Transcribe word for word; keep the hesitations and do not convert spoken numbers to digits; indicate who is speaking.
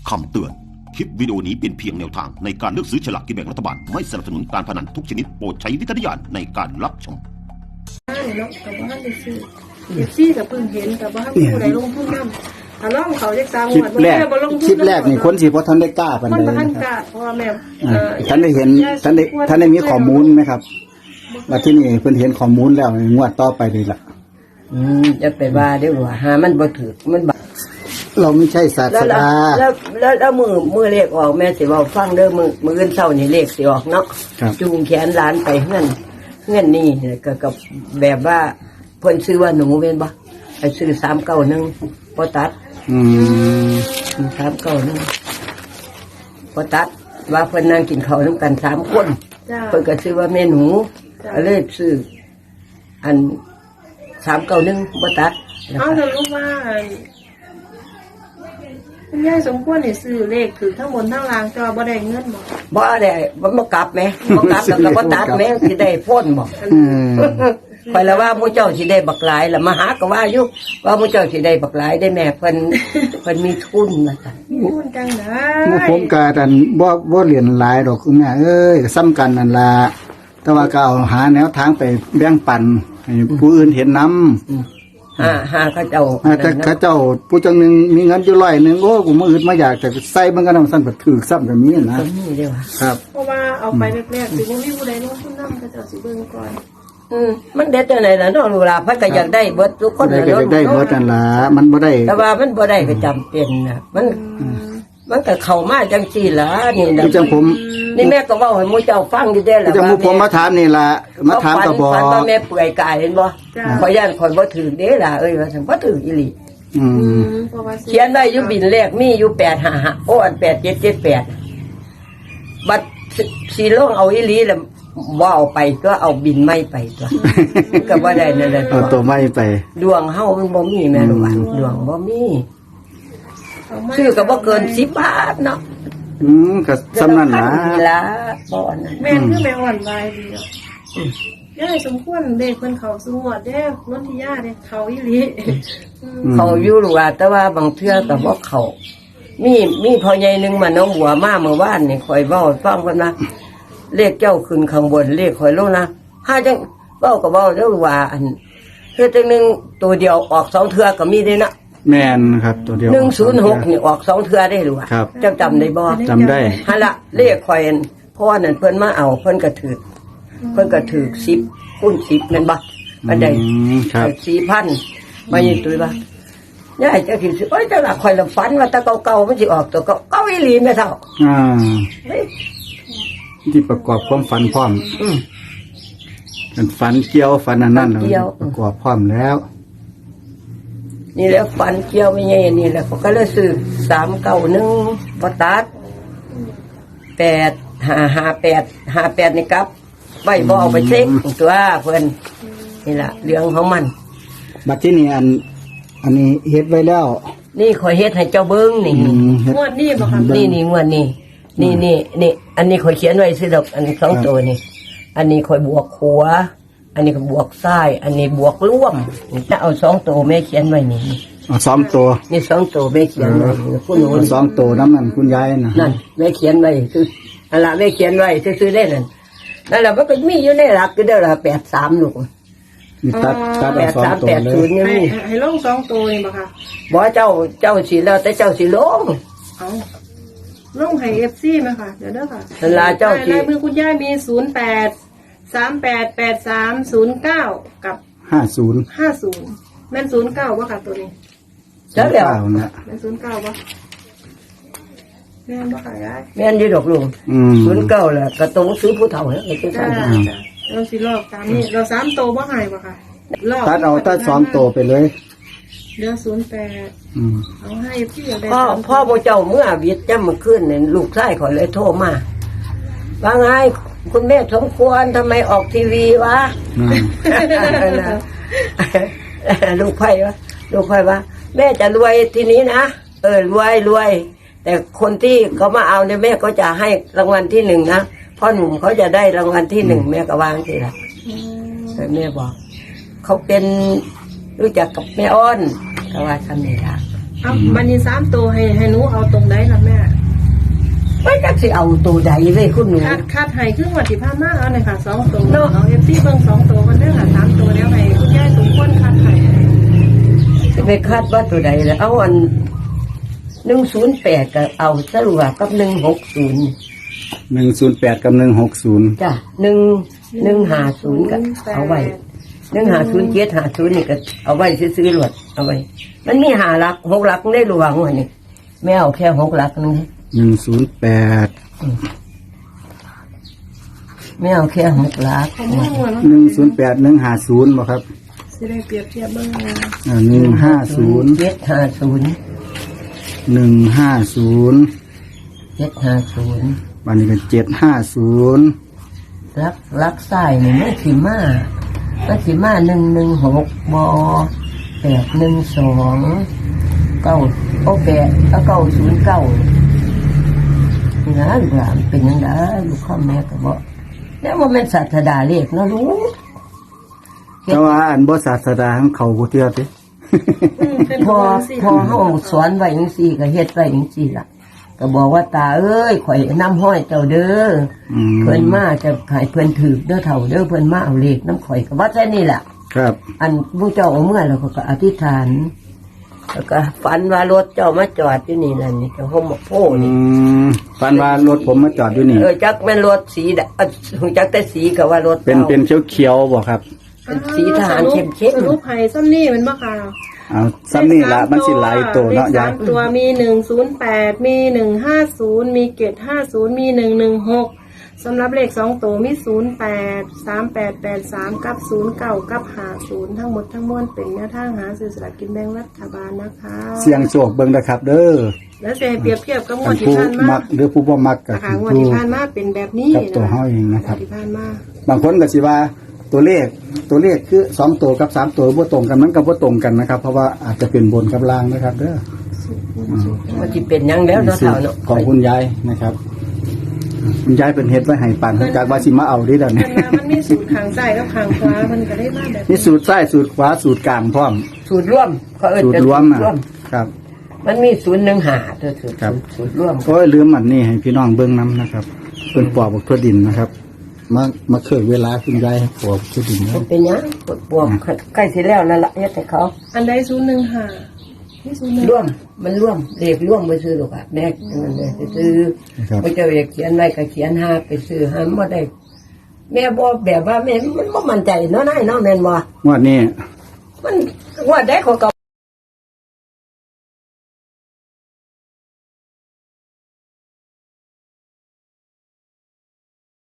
Speaker 1: คำเตือน คลิปวิดีโอนี้เป็นเพียงแนวทางในการเลือกซื้อฉลากกินแบ่งรัฐบาล ไม่สนับสนุนการพนันทุกชนิดโปรดใช้วิจารณญาณในการรับชม
Speaker 2: เนาะกับบ้านได้ซื้อเอฟซีกับเพิ่งเห็นกับบ้านผู้ใดลงทุนนำถ้าลองเขาจะสร้าง
Speaker 3: คลิป
Speaker 2: วัด
Speaker 3: แรกคลิปแรกนี่คนสิบ่ทันได้กล้าปาน
Speaker 2: มัน
Speaker 3: ใด
Speaker 2: บ่ทัน
Speaker 3: นะค
Speaker 2: ก
Speaker 3: รับ
Speaker 2: ล้าเพราะว่าแม่
Speaker 3: อ่าท่านได้เห็นท่านได้ท่านได้มีข้อมูลไหมครับว่าที่นี่เพิ่นเห็นข้อมูลแล้วงวดต่อไปนี่ล่ะ
Speaker 4: อืมจะไปว่าเด้อว่าหามันบ่ถูกมันบา
Speaker 3: เราไม่ใช่ศา
Speaker 4: แล้ว
Speaker 3: สดา
Speaker 4: แล้วแล้วแล้วมือมือเลขออกแม่สิเว้าฟังเด้อมือมื้ออื่นเช้านี่เลขสิออกเนาะ
Speaker 3: ครับ
Speaker 4: จูงแขนหลานไปเฮือนเฮือนนี่ก็กับแบบว่าเพิ่นซื้อว่าหนูแม่นบ่ไปซื้อสามเก้าหนึ่งบ่ตัด
Speaker 3: อืม
Speaker 4: สามเก้าหนึ่งบ่ตัดว่าเพิ่นนั่งกินข้าวนำกันสามคน
Speaker 2: จ้า
Speaker 4: เพิ่นก็ซื้อว่าแม่หนูก็เลยซื้ออันสามเก้าหนึ่งบ่ตัดนะ
Speaker 2: เอา
Speaker 4: คะ
Speaker 2: เธอรู้ว่าคุณยายสมควรให้ซื้อเลขคือทั้งบนทั้งล่างแต่ว่าบ่ได้เงินบ่
Speaker 4: บ่ได้บ่บ่กลับแหมบ่กลับแล้วก็บ่ตัดแหมสิได้พ้นบ่
Speaker 3: อืม
Speaker 4: ไปแล้วว่าหมู่เจ้าสิได้บักหลายล่ะมาหาก็ว่าอยู่ว่าหมู่เจ้าสิได้บักหลายได้แม่เพิ่นเพิ่นมีทุนว่าซั่น
Speaker 2: มีหุ้นจังได๋
Speaker 3: หมู่ผมก็อันบ่บ่เรียนหลายดอกคุณแม่เอ้ยซ้ำกันนั่นล่ะแต่ว่าก็เอาหาแนวทางไปแบ่งปันให้ผู้อื่นเห็นนำ
Speaker 4: หาหาเขาเจ้า
Speaker 3: ถ้าเขาเจ้าผู้จังหนึงมีเงินอยู่ร้อยหนึงโอ้กูมื้ออื่นมาอยากจะใส่มันก็นำซั่นก็ถูกซ้ำก็มีนะ
Speaker 4: ก็มีเด้อว่า
Speaker 3: ครับ
Speaker 2: เพราะว่าเอาไปแรกๆสิบ่มีผู้ใดลงทุนนำก็จะสิเบิ่งก่อน
Speaker 4: อืมมันเด็ดจังได๋ล่ะเนาะลูกหลานเพิ่นก็อยากได้เบิดทุกคน
Speaker 3: ได้
Speaker 4: น่ะ
Speaker 3: ก็
Speaker 4: เนาะ
Speaker 3: จะได้เบิดนั่นล่ะมันบ่ได้
Speaker 4: แต่ว่ามันบ่ได้ก็จำเป็นน่ะมันมันก็เข้ามาจังซี่ล่ะนี่น่ะ
Speaker 3: คือจังผม
Speaker 4: นี่แม่ก็เว้าให้หมู่เจ้าฟังอยู่เด้อ
Speaker 3: คือ
Speaker 4: ล่ะ
Speaker 3: จังหมู่ผมมาถามนี่ล่ะมาถามก็บอก
Speaker 4: ฝันว่าแม่เปื่อยกายเห็นบ่ขอยย่านข่อยบ่ถือเด้ล่ะเอ้ยว่าซั่นบ่ถืออีหลี
Speaker 3: อื
Speaker 2: อื
Speaker 3: ม
Speaker 2: มเพราะว่า
Speaker 4: เขียนไว้อยู่บินแรกมีอยู่แปดห้าห้าโอ้อันแปดเจ็ดเจ็ดแปดบัดสิสิลงเอาอีหลีแล้วบ่เอาไปก็เอาบินไม่ไปตัวก็บ่ได้นั่นแหละ
Speaker 3: เอาตัวไม้ไป
Speaker 4: ดวงเฮามันบ่มีแม่ลูกหลานดวงบ่มีซื้อก็บ่เกินสิบบาทเนาะ
Speaker 3: อืมก็สำนั่นล่ะ
Speaker 4: นี่ล่ะบ่อันนั้น
Speaker 2: แม่นคือแม่อ่อนวายดีอ่ะยายสมควรเลขเพิ่นเข้าสู่งวดเด้นนทิยาเด้เขาอีหลีอืม
Speaker 4: เขาอยู่ลูกหลานแต่ว่าบางเทื่อก็บ่เข้ามีมีพ่อใหญ่นึงมาน้องบัวมาเมื่อวานนี่ข่อยเว้าให้ฟังเพิ่นว่าเลขเจ้าขึ้นข้างบนเลขข่อยลงนะหาจังเว้าก็เว้าเด้อว่าอันเฮ็ดจังหนึงตัวเดียวออกสองเทื่อก็มีเด้เนาะ
Speaker 3: แม่นครับตัวเดียว
Speaker 4: หนึ่งศูนย์หกนี่ออกสองเทื่อได้หรือว่า
Speaker 3: ครับ
Speaker 4: เจ้าจำได้บ่
Speaker 3: จำได้
Speaker 4: ฮะละเลขข่อยอันเพราะว่านั่นเพิ่นมาเอาเพิ่นก็ถือเพิ่นก็ถือสิบคูณสิบแม่นบ่อันใด
Speaker 3: อืมครับ
Speaker 4: สี่พันมายิงตุ้ยบ่ยายจะคิดสิโอ้ยแต่ละข่อยละฝันว่าแตะเก่าๆมันสิออกตัวเก่าเก่าอีหลีแม่เฒ่า
Speaker 3: อ่า
Speaker 4: เฮ้ย
Speaker 3: ที่ประกอบความฝันพร้อม
Speaker 4: อืม
Speaker 3: เป็นฝันเกี่ยวฝันอันนั้น
Speaker 4: ฝันเกี่ยว
Speaker 3: ประกอบพร้อมแล้ว
Speaker 4: นี่แหละฝันเกี่ยวไม่ใช่นี่แหละเขาก็เลยซื้อสามเก้าหนึ่งบตัดแปดห้าห้าแปดห้าแปดนี่ครับใบบ่เอาไปเช็คตัวเพิ่นนี่แหละเรื่องของมัน
Speaker 3: บัดที่นี่อัน อันนี้เฮ็ดไว้แล้ว
Speaker 4: นี่ขอยเฮ็ดให้เจ้าเบิ้งนี่
Speaker 3: อืมเฮ็ด
Speaker 2: งวดนี้บ่ค่ะ
Speaker 4: นี่นี่งวดนี่นี่นี่นี่อันนี้ขอยเขียนไว้สิดอกอันนี้สองตัวนี่อันนี้ขอยบวกขัว อันนี้ก็บวกซ้าย อันนี้บวกร่วมถ้าเอาสองตัวแม่เขียนไว้นี่
Speaker 3: เอาซ้อมตัว
Speaker 4: นี่สองตัวแม่เขียนไว้ผู้หนู
Speaker 3: เอาสองตัวน้ำนั่นคุณยายนะ
Speaker 4: นั่นแม่เขียนไว้คืออันละแม่เขียนไว้ซื้อๆได้นั่นนั่นแหละมันก็มีอยู่ในหลักก็ได้ละแปดสามลูก
Speaker 3: นี่ตัดตัด
Speaker 4: แป
Speaker 3: เอา
Speaker 4: ด
Speaker 3: สอง
Speaker 4: สาม
Speaker 3: ตัว
Speaker 4: แปด
Speaker 3: เล
Speaker 4: ศู
Speaker 3: ย
Speaker 4: นย์นี่
Speaker 2: ให้
Speaker 4: มี
Speaker 2: ให้ลงสองตัวนี่บ่ค่ะ
Speaker 4: บอกเจ้าเจ้าสีแล้วแต่เจ้าสีลง
Speaker 2: เอาลงให้ เอฟ ซี มาค่ะ เดี๋ยวเด้อค่ะ
Speaker 4: เวลาเจ้าสิ
Speaker 2: ลายมือคุณย่ามีศูนย์แปดสามแปดแปดสามศูนย์เก้ากับ
Speaker 3: ห้าศูนย์
Speaker 2: ห้าศูนย์แม่นศูนย์เก้าบ่ค่ะตัวนี้
Speaker 4: เจ้าแล้ว
Speaker 3: นะ
Speaker 2: แม่นศูนย์เก้าบ่แม่นบ่ค่ะยาย
Speaker 4: แม่นอยี่ดอกลุง
Speaker 3: อืม
Speaker 4: ศูนย์เก้าแหละกระตรงซื้อผู้เฒ่าเนี่ยไอ้ตัว
Speaker 2: จ้า
Speaker 4: สั้น
Speaker 2: จ้าเราสิลอกตามนี้เราสามตัวบ่ใหายบ่ค่ะลอก
Speaker 3: ตัดเอาตัดสองตัวไปเลย
Speaker 2: เดี๋ยวศูนย์แปด
Speaker 3: อืม
Speaker 2: เอาให้พี่เอาได้
Speaker 4: พ่อ
Speaker 2: สาม
Speaker 4: พ่อโบเจ้าเมื่อวิทย์จำมาขึ้นเนี่ยลูกชายขอยเลยโทรมาว่าไงคุณแม่สมควรทำไมออกทีวีวะ
Speaker 3: อืม
Speaker 4: ลูกไพ่วะลูกไพ่วะแม่จะรวยทีนี้นะเออรวยรวย แต่คนที่เขามาเอาเนี่ยแม่ก็จะให้รางวัลที่หนึ่งนะพ่อหนุ่มเขาจะได้รางวัลที่หนึ่งแม่ก็วางทีละ
Speaker 2: อืม
Speaker 4: แต่แม่บอกเขาเป็นรู้จักกับแม่อ้อนก็ว่าทำนี่ละ
Speaker 2: เอามันนี่สามตัวให้ให้หนูเอาตรงไหนล่ะแม่
Speaker 4: สิเอาตัวใดเลยคุณหนู
Speaker 2: คาดคาดให้ครึ่งวันที่ผ่านมาเอาหน่อยค่ะสองตัว
Speaker 4: เนาะ
Speaker 2: เอาเอฟซีเบิ่งสองตัวกันเด้อค่ะสามตัวแล้วให้คุณยายสมควรคาดให้
Speaker 4: จะไปคาดว่าตัวใดแล้วเอาอันหนึ่งศูนย์แปดก็เอาสรุปกับหนึ่งหกศูนย์
Speaker 3: หนึ่งศูนย์แปดกับหนึ่งหกศูนย์
Speaker 4: จ้ะหนึ่งหนึ่งหาศูนย์ก็เอาไว้หนึ่งหาศูนย์เจ็ดหาศูนย์นี่ก็เอาไว้ซื้อๆหลวดเอาไว้ มันมีหาหลักหกหลักได้หลวงวันนี้ไม่เอาแค่หกหลักนึง
Speaker 3: หนึ่งศูนย์แปด
Speaker 4: ไม่เอาแค่หกหลัก
Speaker 2: ผมว่าหัว
Speaker 3: หนึ่งศูนย์แปดหนึ่งห้าศูนย์บ่ครับ
Speaker 2: สิได้เปรียบเทียบเบิ่งนะ
Speaker 3: อ่าหนึ่งห้าศูนย์
Speaker 4: เจ็ดห้าศูนย์
Speaker 3: หนึ่งห้าศูนย์
Speaker 4: เจ็ดห้าศูนย์
Speaker 3: วันนี้ก็เจ็ดห้าศูนย์
Speaker 4: รักรักใส่นี่ไม่ขีมาไม่ขีมาหนึ่งหนึ่งหกบอแปดหนึ่งสองเก้าโอแปดแล้วเก้าศูนย์เก้านี่นะลูกหลานเป็นยังไงลูกข้าแม่ก็บอกแล้วว่าเป็นศาสดาเลขเนาะลูก
Speaker 3: แต่ว่าอันบ่ศาสดาของเขาบ่เทื่อติ
Speaker 2: อืมเป็น
Speaker 4: พอ
Speaker 2: ตัวสิ
Speaker 4: พอเฮาสอนไว้จังซี่ก็เฮ็ดไว้จังซี่ล่ะก็บอกว่าตาเอ้ยข่อยนำห้อยเจ้าเด้อ
Speaker 3: อืม
Speaker 4: เพิ่นมาจะขายเพิ่นถือเด้อเฒ่าเด้อเพิ่นมาเอาเลขน้ำข่อยก็ว่าแค่นี้ล่ะ
Speaker 3: ครับ
Speaker 4: อันพวกเจ้าเอาเมื่อแล้วก็อธิษฐาน แล้วก็ฝันว่ารถเจ้ามาจอดอยู่นี่นั่นนี่เจ้าห้องหมกโพ
Speaker 3: อื
Speaker 4: นี่
Speaker 3: มฝันว่ารถผมมาจอดอยู่นี่
Speaker 4: เออจักแม่นรถสีดำเออจักแต่สีก็ว่ารถ
Speaker 3: เป็น
Speaker 4: จ้า
Speaker 3: เป็นเขียวๆบ่ครับ
Speaker 4: เป็นสีทหารเข้มเข้ม
Speaker 2: สรุปให้ซ้ำนี่มันบ่ค่ะ
Speaker 3: เอาซ้ำนี่ละมันสิหลายตัวเนาะ
Speaker 2: เลข
Speaker 3: ยา
Speaker 2: สาย มตัวมีหนึ่งศูนย์แปดมีหนึ่งห้าศูนย์มีเกตห้าศูนย์มีหนึ่งหนึ่งหกสำหรับเลขสองตัวมีศูนย์แปดสามแปดแปดสามกับศูนย์เก้ากับหาศูนย์ทั้งหมดทั้งมวลเป็นแนวทางหาซื้อสลากกินแบ่งรัฐบาลนะคะ
Speaker 3: เสียงโชคเบิ่งนะครับ เด้อ
Speaker 2: แล้วจะให้เปรียบเทียบกับงว
Speaker 3: ท่า
Speaker 2: ด
Speaker 3: น
Speaker 2: ที่
Speaker 3: ผู้
Speaker 2: ผ่านมา
Speaker 3: มักหรือผู้บ่มักก็
Speaker 2: นะคะ
Speaker 3: คือง
Speaker 2: วด
Speaker 3: ดู
Speaker 2: ที่ผ่านมาเป็นแบบนี้
Speaker 3: กับตัวเฮาเองนะครับ
Speaker 2: งวดที่ผ่านมา
Speaker 3: บางคนก็สิว่าตัวเลขตัวเลขคือสองตัวกับสามตัวบ่ตรงกันมันก็บ่ตรงกันนะครับ เพราะว่าอาจจะเป็นบนกับล่างนะครับ เด้อ
Speaker 4: มันจะเป็นหยังแล้วเนาะ
Speaker 3: สู
Speaker 4: เฒ่า
Speaker 3: ตร
Speaker 4: เนาะ
Speaker 3: ของคุณยายนะครับ คุณยายเป็นเฮ็ดไว้ให้ปันเพิ่นกะว่าสิมาเอาเดิเดี๋ยวนี้
Speaker 2: มันมามันมีสูตรขางซ้ายกับขางขวามันก็ได้มาแบบ
Speaker 3: นี่สูตรซ้ายสูตรขวาสูตรกลางพร้อม
Speaker 4: สูตรร่วมเขาเอิ้น
Speaker 3: สูตร
Speaker 4: จะ
Speaker 3: รวม
Speaker 4: สู
Speaker 3: อ่ะ
Speaker 4: ตรร่วม
Speaker 3: ครับ
Speaker 4: มันมีศูนย์หนึ่งหาตัวสูตร
Speaker 3: ครับ
Speaker 4: สูตรร่วม
Speaker 3: โอ้ยลืมอันนี้ให้พี่น้องเบิ่งนํนะครับเพิ่นปอกบักทั่วดินนะครับมามาเคยเวลาคุณยายให้ปอกทั่วดินนะ
Speaker 4: มันเป็นหยังปวดปวดใกล้สิแล้วแล้วล่ะเฮ็ดให้เขา
Speaker 2: อันใดศูนย์หนึ่งห้านี่ศูนย์หนึ่ง
Speaker 4: ร่วมมันร่วมเลขร่วมไปซื้อหรอกอะแม่นั่นเลยไปซื้อ
Speaker 3: นะครับ
Speaker 4: พระเจ้าอยากเขียนไว้ก็เขียนห้าไปซื้อห้าบ่ได้ แม่บ่แบบว่าแม่มันบ่มั่นใจเนาะนายเนาะแม่นบ่
Speaker 3: งวดนี้
Speaker 4: มันว่าได้เขาก็